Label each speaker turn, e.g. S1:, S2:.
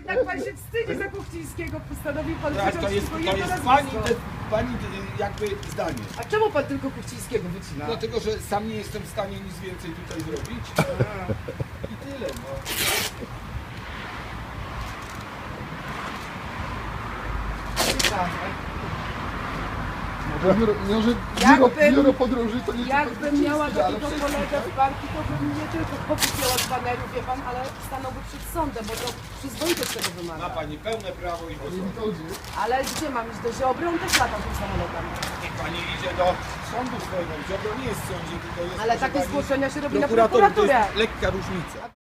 S1: Tak pan się wstydzi za Kuchcińskiego, postanowił pan
S2: Tak,
S1: wyciąć
S2: to jest
S1: tylko jedno
S2: pani
S1: nazwisko.
S2: jakby zdanie.
S1: A czemu pan tylko Kuchcińskiego wycina?
S2: Dlatego, że sam nie jestem w stanie nic więcej tutaj zrobić. I tyle, no.
S3: Może
S1: Jakbym-
S3: biuro podróży to nie
S1: Jakbym
S3: tylko
S1: miała
S3: Kuchciński, ale
S1: takiego
S3: wszystko.
S1: kolegę w banki, to bym nie tylko pokupiła z baneru, wie pan, ale stanąłby przed sądem, bo to przyzwoitość tego
S2: Ma
S1: wymaga.
S2: pani pełne prawo i
S3: Nie
S2: głosować.
S3: wychodzi.
S1: Ale gdzie mam iść do Ziobry? On też latał tym samolotem.
S2: Niech pani idzie do sądu swojego. Ziobro nie jest w sądzie, tylko jest
S1: Ale
S2: proszę
S1: takie
S2: pani,
S1: zgłoszenia się robi na
S2: prokurator. To
S1: prokuraturę.
S2: jest lekka różnica.